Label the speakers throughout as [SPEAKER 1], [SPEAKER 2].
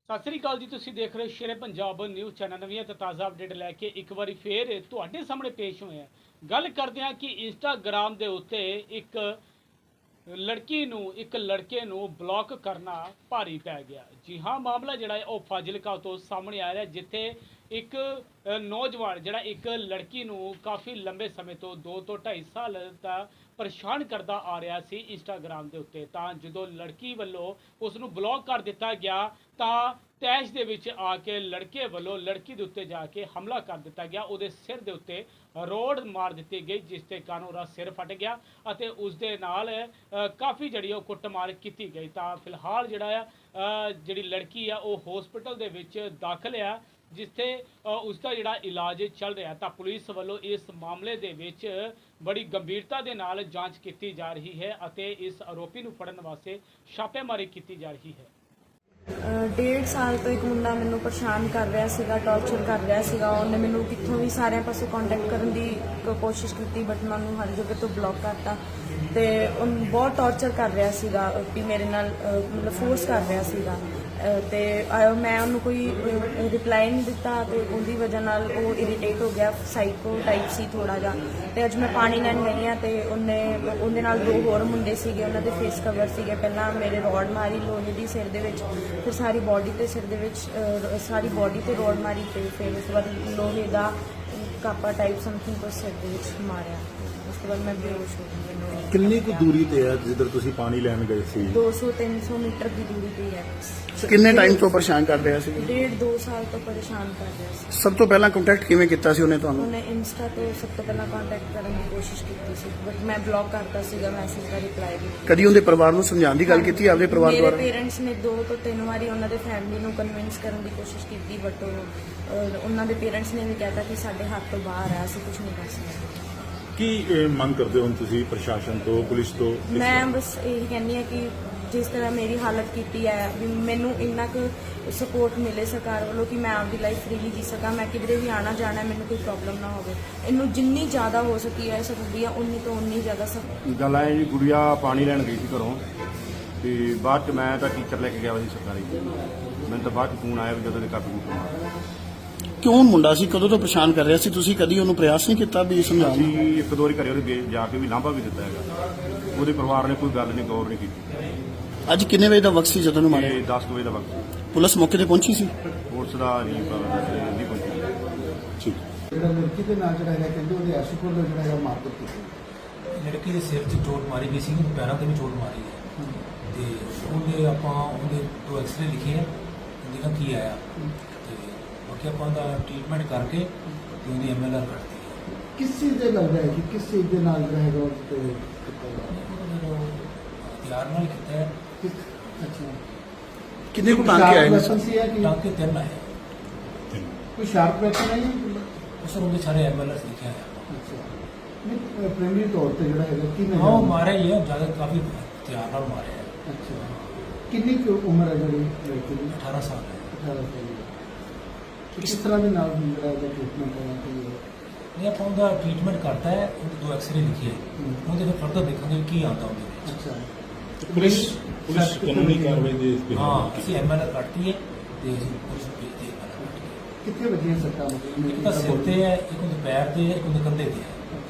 [SPEAKER 1] ਸਤਿ ਸ੍ਰੀ ਅਕਾਲ ਜੀ। ਤੁਸੀਂ ਦੇਖ ਰਹੇ ਸ਼ੇਰੇ ਪੰਜਾਬ ਨਿਊਜ਼ ਚੈਨਲ। ਨਵੀਆਂ ਤੇ ਤਾਜ਼ਾ ਅਪਡੇਟ ਲੈ ਕੇ ਇੱਕ ਵਾਰੀ ਫੇਰ ਤੁਹਾਡੇ ਸਾਹਮਣੇ ਪੇਸ਼ ਹੋਏ ਹਾਂ। ਗੱਲ ਕਰਦੇ ਹਾਂ ਕਿ ਇੰਸਟਾਗ੍ਰਾਮ ਦੇ ਉੱਤੇ ਇੱਕ ਲੜਕੀ ਨੂੰ ਇੱਕ ਲੜਕੇ ਨੂੰ ਬਲੌਕ ਕਰਨਾ ਭਾਰੀ ਪੈ ਗਿਆ। ਜੀ ਹਾਂ, ਮਾਮਲਾ ਜਿਹੜਾ ਹੈ ਉਹ ਫਾਜ਼ਿਲਕਾ ਤੋਂ ਸਾਹਮਣੇ ਆ ਰਿਹਾ, ਜਿੱਥੇ ਇੱਕ ਨੌਜਵਾਨ ਜਿਹੜਾ ਇੱਕ ਲੜਕੀ ਨੂੰ ਕਾਫੀ ਲੰਬੇ ਸਮੇਂ ਤੋਂ 2 ਤੋਂ 2.5 ਸਾਲ ਦਾ ਪਰੇਸ਼ਾਨ ਕਰਦਾ ਆ ਰਿਹਾ ਸੀ ਇੰਸਟਾਗ੍ਰਾਮ ਦੇ ਉੱਤੇ। ਤਾਂ ਜਦੋਂ ਲੜਕੀ ਵੱਲੋਂ ਉਸ ਨੂੰ ਬਲੌਕ ਕਰ ਦਿੱਤਾ ਗਿਆ ਤਾਂ ਤੈਸ਼ ਦੇ ਵਿੱਚ ਆ ਕੇ ਲੜਕੇ ਵੱਲੋਂ ਲੜਕੀ ਦੇ ਉੱਤੇ ਜਾ ਕੇ ਹਮਲਾ ਕਰ ਦਿੱਤਾ ਗਿਆ। ਉਹਦੇ ਸਿਰ ਦੇ ਉੱਤੇ ਰੋਡ ਮਾਰ ਦਿੱਤੀ ਗਈ, ਜਿਸ ਦੇ ਕਾਰਨ ਉਹਦਾ ਸਿਰ ਫਟ ਗਿਆ ਅਤੇ ਉਸ ਦੇ ਨਾਲ ਕਾਫੀ ਜਿਹੜੀ ਉਹ ਕੁੱਟਮਾਰ ਕੀਤੀ ਗਈ। ਤਾਂ ਫਿਲਹਾਲ ਜਿਹੜਾ ਆ ਜਿਹੜੀ ਲੜਕੀ ਆ ਉਹ ਹਸਪੀਟਲ ਦੇ ਵਿੱਚ ਦਾਖਲ ਆ, ਜਿੱਥੇ ਉਸ ਦਾ ਜਿਹੜਾ ਇਲਾਜ ਚੱਲ ਰਿਹਾ। ਤਾਂ ਪੁਲਿਸ ਵੱਲੋਂ ਇਸ ਮਾਮਲੇ ਦੇ ਵਿੱਚ ਬੜੀ ਗੰਭੀਰਤਾ ਦੇ ਨਾਲ ਜਾਂਚ ਕੀਤੀ ਜਾ ਰਹੀ ਹੈ ਅਤੇ ਇਸ ਆਰੋਪੀ ਨੂੰ ਫੜਨ ਵਾਸਤੇ ਛਾਪੇਮਾਰੀ ਕੀਤੀ ਜਾ ਰਹੀ ਹੈ।
[SPEAKER 2] 1.5 ਸਾਲ ਤੋਂ ਇੱਕ ਮੁੰਡਾ ਮੈਨੂੰ ਪਰੇਸ਼ਾਨ ਕਰ ਰਿਹਾ ਸੀਗਾ, ਟੌਰਚਰ ਕਰ ਰਿਹਾ ਸੀਗਾ। ਉਹਨੇ ਮੈਨੂੰ ਕਿੱਥੋਂ ਵੀ ਸਾਰਿਆਂ ਪਾਸੋਂ ਕੰਟੈਕਟ ਕਰਨ ਦੀ ਕੋਸ਼ਿਸ਼ ਕੀਤੀ, ਬਟ ਮੈਂ ਉਹਨੂੰ ਹਰ ਜਗ੍ਹਾ ਤੋਂ ਬਲੌਕ ਕਰਤਾ। ਤੇ ਉਹ ਬਹੁਤ ਟੌਰਚਰ ਕਰ ਰਿਹਾ ਸੀਗਾ ਵੀ ਮੇਰੇ ਨਾਲ, ਮਤਲਬ ਫੋਰਸ ਕਰ ਰਿਹਾ ਸੀਗਾ। ਤੇ ਮੈਂ ਉਹਨੂੰ ਕੋਈ ਰਿਪਲਾਈ ਨਹੀਂ ਦਿੱਤਾ ਤੇ ਉਹਦੀ ਵਜ੍ਹਾ ਨਾਲ ਉਹ ਇਰੀਟੇਟ ਹੋ ਗਿਆ, ਸਾਈਕੋ ਟਾਈਪ ਸੀ ਥੋੜਾ ਜਿਹਾ। ਤੇ ਅੱਜ ਮੈਂ ਪਾਣੀ ਲੈਣ ਗਈ ਹਾਂ ਤੇ ਉਹਦੇ ਨਾਲ 2 ਹੋਰ ਮੁੰਡੇ ਸੀਗੇ, ਉਹਨਾਂ ਦੇ ਫੇਸ ਕਵਰ ਸੀਗੇ। ਪਹਿਲਾਂ ਮੇਰੇ ਰੋਡ ਮਾਰੀ ਲੋਹੇ ਦੀ ਸਿਰ ਦੇ ਵਿੱਚ, ਫਿਰ ਸਾਰੀ ਬੋਡੀ ਤੇ ਸਿਰ ਦੇ ਵਿੱਚ ਸਾਰੀ ਬੋਡੀ ਤੇ ਰੋਡ ਮਾਰੀ ਤੇ ਫਿਰ ਉਸ ਤੋਂ ਬਾਅਦ ਲੋਹੇ ਦਾ ਕਾਪਾ ਟਾਈਪ ਸਮਥਿੰਗ ਕੁਛ ਸਿਰ ਦੇ ਵਿੱਚ ਮਾਰਿਆ। ਉਸ ਤੋਂ ਬਾਅਦ ਮੈਂ ਬੇਹੋਸ਼ ਹੋ ਗਈ।
[SPEAKER 3] ਕਿੰਨੀ ਕੁ ਦੂਰੀ ਤੇ ਹੈ ਜਿੱਧਰ ਤੁਸੀਂ ਪਾਣੀ ਲੈਣ ਗਏ ਸੀ?
[SPEAKER 2] 200-300 ਮੀਟਰ ਦੀ ਦੂਰੀ ਤੇ ਹੈ।
[SPEAKER 4] ਕਿੰਨੇ ਟਾਈਮ ਤੋਂ ਪਰੇਸ਼ਾਨ ਕਰ ਰਿਹਾ ਸੀ?
[SPEAKER 2] 1.5-2 ਸਾਲ ਤੋਂ ਪਰੇਸ਼ਾਨ ਕਰ ਰਿਹਾ ਸੀ।
[SPEAKER 4] ਸਭ ਤੋਂ ਪਹਿਲਾਂ ਕੰਟੈਕਟ ਕਿਵੇਂ ਕੀਤਾ ਸੀ ਉਹਨੇ ਤੁਹਾਨੂੰ?
[SPEAKER 2] ਉਹਨੇ ਇੰਸਟਾ ਤੋਂ ਸਭ ਤੋਂ ਪਹਿਲਾਂ ਕੰਟੈਕਟ ਕਰਨ ਦੀ ਕੋਸ਼ਿਸ਼ ਕੀਤੀ ਸੀ, ਬਟ ਮੈਂ ਬਲੌਕ ਕਰਤਾ ਸੀਗਾ, ਮੈਸੇਜ ਦਾ ਰਿਪਲਾਈ ਵੀ।
[SPEAKER 4] ਕਦੀ ਉਹਦੇ ਪਰਿਵਾਰ ਨੂੰ ਸਮਝਾਉਣ ਦੀ ਗੱਲ ਕੀਤੀ ਆਪਦੇ ਪਰਿਵਾਰ
[SPEAKER 2] ਮੇਰੇ
[SPEAKER 4] ਦੁਆਰਾ?
[SPEAKER 2] ਪੇਰੈਂਟਸ ਨੇ 2 ਤੋਂ 3 ਵਾਰੀ ਉਹਨਾਂ ਦੇ ਫੈਮਿਲੀ ਨੂੰ ਕਨਵਿੰਸ ਕਰਨ ਦੀ ਕੋਸ਼ਿਸ਼ ਕੀਤੀ, ਬਟ ਉਹਨਾਂ ਦੇ ਪੇਰੈਂਟਸ ਨੇ ਵੀ ਕਹਿਤਾ ਕਿ ਸਾਡੇ ਹੱਥ ਤੋਂ ਬਾਹਰ ਹੈ, ਅਸੀਂ ਕੁਝ ਨਹੀਂ ਕਰ ਸਕਦੇ।
[SPEAKER 3] ਕੀ ਮੰਗ ਕਰਦੇ ਹੋ ਤੁਸੀਂ ਪ੍ਰਸ਼ਾਸਨ ਤੋਂ, ਪੁਲਿਸ ਤੋਂ?
[SPEAKER 2] ਮੈਂ ਬਸ ਇਹੀ ਕਹਿੰਦੀ ਹਾਂ ਕਿ ਜਿਸ ਤਰ੍ਹਾਂ ਮੇਰੀ ਹਾਲਤ ਕੀਤੀ ਹੈ, ਵੀ ਮੈਨੂੰ ਇੰਨਾ ਕੁ ਸਪੋਰਟ ਮਿਲੇ ਸਰਕਾਰ ਵੱਲੋਂ ਕਿ ਮੈਂ ਆਪਦੀ ਲਾਈਫ ਫ੍ਰੀਲੀ ਜੀ ਸਕਾਂ। ਮੈਂ ਕਿਧਰੇ ਵੀ ਆਣਾ ਜਾਣਾ, ਮੈਨੂੰ ਕੋਈ ਪ੍ਰੋਬਲਮ ਨਾ ਹੋਵੇ। ਇਹਨੂੰ ਜਿੰਨੀ ਜ਼ਿਆਦਾ ਹੋ ਸਕੀ ਹੈ ਸਕਦੀ ਆ, ਉਨੀ ਤੋਂ ਉਨੀ ਜ਼ਿਆਦਾ
[SPEAKER 5] ਗੱਲ ਹੈ ਜੀ। ਗੁੜੀਆ ਪਾਣੀ ਲੈਣ ਗਈ ਸੀ ਘਰੋਂ, ਤੇ ਬਾਅਦ ਚ ਮੈਂ ਤਾਂ ਟੀਚਰ ਲੈ ਕੇ ਗਿਆ ਸੀ ਸਰਕਾਰੀ। ਮੈਨੂੰ ਤਾਂ ਬਾਅਦ ਚ ਫੋਨ ਆਇਆ ਵੀ ਜਦੋਂ ਦੇ ਕਾਬੂ ਕੀਤਾ।
[SPEAKER 4] ਕਿਉਂ ਮੁੰਡਾ ਸੀ, ਕਦੋਂ ਤੋਂ ਪਰੇਸ਼ਾਨ ਕਰ ਰਿਹਾ ਸੀ? ਤੁਸੀਂ ਕਦੀ ਉਹਨੂੰ ਪ੍ਰਯਾਸ ਨਹੀਂ ਕੀਤਾ ਵੀ ਸਮਝਾਉਣ ਦੀ?
[SPEAKER 5] ਅਸੀਂ 1-2 ਵਾਰੀ ਘਰੇ ਉਹਦੇ ਜਾ ਕੇ ਵੀ ਲਾਂਭਾ ਵੀ ਦਿੱਤਾ ਹੈਗਾ, ਉਹਦੇ ਪਰਿਵਾਰ ਨੇ ਕੋਈ ਗੱਲ ਨਹੀਂ, ਗੌਰ ਨਹੀਂ ਕੀਤੀ।
[SPEAKER 4] ਅੱਜ ਕਿੰਨੇ ਵਜੇ ਦਾ ਵਕਤ ਸੀ ਜਦੋਂ ਉਹਨੂੰ ਮਾਰਿਆ?
[SPEAKER 5] ਇਹ 10 ਵਜੇ ਦਾ ਵਕਤ ਸੀ।
[SPEAKER 4] ਪੁਲਿਸ ਮੌਕੇ ਤੇ ਪਹੁੰਚੀ ਸੀ?
[SPEAKER 5] ਪੁਲਿਸ ਦਾ ਨਹੀਂ ਪਹੁੰਚੀ।
[SPEAKER 4] ਠੀਕ।
[SPEAKER 6] ਜਿਹੜਾ ਲੜਕੀ ਦੇ ਨਾਲ ਜਿਹੜਾ ਹੈਗਾ ਕਹਿੰਦੇ ਉਹਦੇ ਐਸੂਪੁਰ ਦਾ ਜਿਹੜਾ ਹੈਗਾ ਮਾਰਕੀਟ ਕੀਤੀ।
[SPEAKER 7] ਲੜਕੀ ਦੇ ਸਿਰ 'ਚ ਚੋਟ ਮਾਰੀ ਗਈ ਸੀ, ਪੈਰਾਂ ਤੇ ਵੀ ਚੋਟ ਮਾਰੀ ਹੈ। ਤੇ ਉਹਦੇ ਆਪਾਂ ਉਹਦੇ 2 ਐਕਸਰੇ ਲਿਖੇ ਹੈ, ਉਹਦੇ ਨਾਲ ਕੀ ਆਇਆ ਤੇ ਬਾਕੀ ਆਪਾਂ ਦਾ ਟ੍ਰੀਟਮੈਂਟ ਕਰਕੇ ਤੇ ਉਹਦੀ MLR ਕੱਢਤੀ ਹੈ।
[SPEAKER 6] ਕਿਸ ਚੀਜ਼ ਦੇ ਲੱਗਦਾ ਹੈ ਕਿ ਕਿਸ ਚੀਜ਼ ਦੇ ਨਾਲ ਜਿਹੜਾ ਹੈਗਾ ਉਹ ਤੇ ਕੀਤਾ ਗਿਆ?
[SPEAKER 7] ਹਥਿਆਰ ਨਾਲ ਕੀਤਾ ਹੈ।
[SPEAKER 6] ਅੱਛਾ,
[SPEAKER 4] ਕਿੰਨੇ ਕੁ ਟਾਂਕੇ ਆਏ ਨੇ ਸਰ?
[SPEAKER 6] ਸੀ ਹੈ ਕਿ
[SPEAKER 7] ਟਾਂਕੇ 3 ਆਏ।
[SPEAKER 6] ਕੋਈ ਸ਼ਾਰਪ ਵੈਪਨ ਹੈ?
[SPEAKER 7] ਉਸ ਨੂੰ ਸਾਰੇ MLR ਲਿਖਿਆ ਹੈ।
[SPEAKER 6] ਅੱਛਾ, ਨਹੀਂ ਪ੍ਰਾਇਮਰੀ ਤੌਰ ਤੇ ਜਿਹੜਾ ਹੈਗਾ ਕੀ
[SPEAKER 7] ਹਾਂ, ਉਹ ਮਾਰਿਆ ਹੀ ਹੈ, ਜ਼ਿਆਦਾ ਕਾਫੀ ਹਥਿਆਰ ਨਾਲ ਮਾਰਿਆ ਹੈ।
[SPEAKER 6] ਅੱਛਾ, ਕਿੰਨੀ ਕੁ ਉਮਰ ਹੈ ਜਿਹੜੀ ਲੜਕੀ ਦੀ?
[SPEAKER 7] 18 ਸਾਲ ਹੈ।
[SPEAKER 6] 18 ਸਾਲ ਦੀ। ਕਿਸ ਤਰ੍ਹਾਂ ਦੇ ਨਾਲ ਜਿਹੜਾ ਇਹਦਾ ਟ੍ਰੀਟਮੈਂਟ ਹੋਣਾ ਚਾਹੀਦਾ?
[SPEAKER 7] ਨਹੀਂ, ਆਪਾਂ ਉਹਦਾ ਟ੍ਰੀਟਮੈਂਟ ਕਰਤਾ ਹੈ, ਉਹਦੇ 2 ਐਕਸਰੇ ਲਿਖੇ ਹੈ। ਉਹਦੇ ਫਿਰ ਫਰਦਰ ਦੇਖਾਂਗੇ ਕੀ ਆਉਂਦਾ ਉਹਦੇ ਵਿੱਚ।
[SPEAKER 6] ਅੱਛਾ,
[SPEAKER 3] ਪੁਲਿਸ ਕਾਨੂੰਨੀ ਕਾਰਵਾਈ ਦੇ
[SPEAKER 7] ਹਾਂ, ਅਸੀਂ MLR ਕੱਢਤੀ ਹੈ ਤੇ ਅਸੀਂ ਪੁਲਿਸ ਨੂੰ ਭੇਜਦੇ ਹਾਂ।
[SPEAKER 6] ਕਿੱਥੇ ਵੱਜੀਆਂ ਸੱਟਾਂ?
[SPEAKER 7] ਇੱਕ ਤਾਂ ਸਿਰ ਤੇ ਹੈ, ਇੱਕ ਉਹਦੇ ਪੈਰ ਤੇ ਹੈ, ਇੱਕ ਉਹਦੇ ਕੰਧੇ ਤੇ ਹੈ।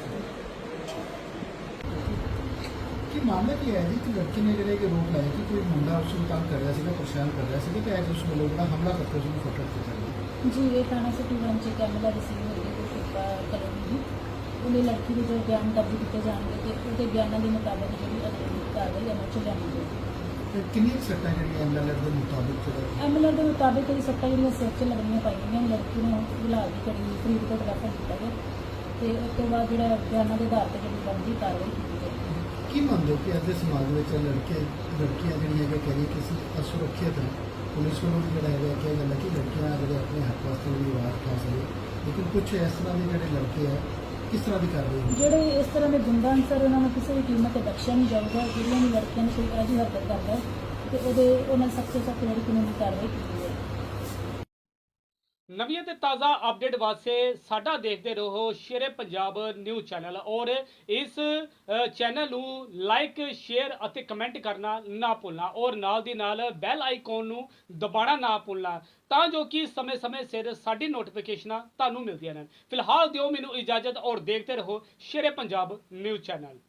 [SPEAKER 6] ਕੀ ਮਾਮਲਾ ਕੀ ਹੈ ਜੀ ਕਿ ਲੜਕੀ ਨੇ ਜਿਹੜੇ ਕਿ ਰੋਕ ਲਾਇਆ ਕਿ ਕੋਈ ਮੁੰਡਾ ਉਸ ਨੂੰ ਤੰਗ ਕਰ ਰਿਹਾ ਸੀਗਾ, ਪਰੇਸ਼ਾਨ ਕਰ ਰਿਹਾ ਸੀਗਾ, ਕਿ ਐਸ ਉਸ ਵੱਲੋਂ ਜਿਹੜਾ ਹਮਲਾ ਕਰਕੇ ਉਸ ਨੂੰ ਫਟੜ ਕੀਤਾ ਗਿਆ?
[SPEAKER 8] ਜੀ, ਇਹ ਥਾਣਾ ਸਿਟੀ 1 ਚ ਕੈਮਰਾ ਰਿਸੀਵ ਹੋਈ ਹੈ ਸ਼ਿਕਾ ਕਲੋਨੀ ਦੀ। ਉਹਨੇ ਲੜਕੀ ਦੇ ਜੋ ਬਿਆਨ ਦਰਜ ਕੀਤੇ ਜਾਣਗੇ ਤੇ ਉਹਦੇ ਬਿਆਨਾਂ ਦੇ ਮੁਤਾਬਕ ਜਿਹੜੀ ਅਗਲੀ ਕਾਰਵਾਈ ਅਮਲ ਚ ਲਿਆਂਦੀ ਜਾਏਗੀ।
[SPEAKER 6] ਤੇ ਕਿੰਨੀਆਂ ਸੱਟਾਂ ਜਿਹੜੀਆਂ ਐਮਐਲਆਰ ਦੇ ਮੁਤਾਬਿਕ
[SPEAKER 8] MLR ਦੇ ਮੁਤਾਬਕ ਇਹ ਸੱਟਾਂ ਜਿਹੜੀਆਂ ਸਿਰ 'ਚ ਲੱਗਣੀਆਂ ਪਾਈਆਂ, ਲੜਕੀ ਨੂੰ ਇਲਾਜ ਦੀ ਕੜੀ ਫਰੀਦਕੋਟ ਰੈਫਰ ਕੀਤਾ ਗਿਆ ਤੇ ਉਸ ਤੋਂ ਬਾਅਦ ਜਿਹੜਾ ਬਿਆਨਾਂ ਦੇ ਆਧਾਰ ਤੇ ਜਿਹੜੀ ਬਣਦੀ ਕਾਰਵਾਈ ਕੀਤੀ ਜਾਏਗੀ।
[SPEAKER 6] ਕੀ ਮੰਨਦੇ ਹੋ ਕਿ ਅੱਜ ਦੇ ਸਮਾਜ ਵਿੱਚ ਲੜਕੀਆਂ ਜਿਹੜੀਆਂ ਹੈਗੇ ਕਹਿੰਦੇ ਕਿ ਅਸੀਂ ਅਸੁਰੱਖਿਅਤ ਹੈ? ਪੁਲਿਸ ਵੱਲੋਂ ਵੀ ਜਿਹੜਾ ਹੈਗਾ ਕਿਹਾ ਜਾਂਦਾ ਕਿ ਲੜਕੀਆਂ ਜਿਹੜੇ ਆਪਣੇ ਹੱਕ ਵਾਸਤੇ ਵੀ ਆਵਾਜ਼ ਉਠਾ ਸਕਦੇ, ਲੇਕਿਨ ਕੁਝ ਇਸ ਤਰ੍ਹਾਂ ਦੇ ਜਿਹੜੇ ਲੜਕੇ ਹੈ ਕਿਸ ਤਰ੍ਹਾਂ ਦੀ ਕਰ ਰਹੇ ਹੋ?
[SPEAKER 8] ਜਿਹੜੇ ਇਸ ਤਰ੍ਹਾਂ ਦੇ ਗੁੰਡਾ ਅਨਸਰ, ਉਹਨਾਂ ਨੂੰ ਕਿਸੇ ਵੀ ਕੀਮਤ ਤੇ ਬਖਸ਼ਿਆ ਨਹੀਂ ਜਾਊਗਾ। ਜਿਹੜੀਆਂ ਵੀ ਲੜਕੀਆਂ ਨੂੰ ਕੋਈ ਅਜਿਹੀ ਹਰਕਤ ਕਰਦਾ ਹੈ ਤੇ ਉਹਨਾਂ ਸਖਤ ਤੋਂ ਸਖਤ ਜਿਹੜੀ ਕਾਨੂੰਨੀ ਕਾਰਵਾਈ ਕੀਤੀ ਜਾਏਗੀ।
[SPEAKER 1] ਨਵੀਆਂ ਤੇ ਤਾਜ਼ਾ ਅਪਡੇਟ ਵਾਸਤੇ ਸਾਡਾ ਦੇਖਦੇ ਰਹੋ ਸ਼ੇਰੇ ਪੰਜਾਬ ਨਿਊਜ਼ ਚੈਨਲ ਔਰ ਇਸ ਚੈਨਲ ਨੂੰ ਲਾਈਕ ਸ਼ੇਅਰ ਅਤੇ ਕਮੈਂਟ ਕਰਨਾ ਨਾ ਭੁੱਲਣਾ ਔਰ ਨਾਲ ਦੀ ਨਾਲ ਬੈਲ ਆਈਕਨ ਨੂੰ ਦਬਾਉਣਾ ਨਾ ਭੁੱਲਣਾ ਤਾਂ ਜੋ ਕਿ ਸਮੇਂ-ਸਮੇਂ ਸਿਰ ਸਾਡੀ ਨੋਟੀਫਿਕੇਸ਼ਨਾਂ ਤੁਹਾਨੂੰ ਮਿਲਦੀਆਂ ਰਹਿਣ। ਫਿਲਹਾਲ ਦਿਓ ਮੈਨੂੰ ਇਜਾਜ਼ਤ ਔਰ ਦੇਖਦੇ ਰਹੋ ਸ਼ੇਰੇ ਪੰਜਾਬ ਨਿਊਜ਼ ਚੈਨਲ।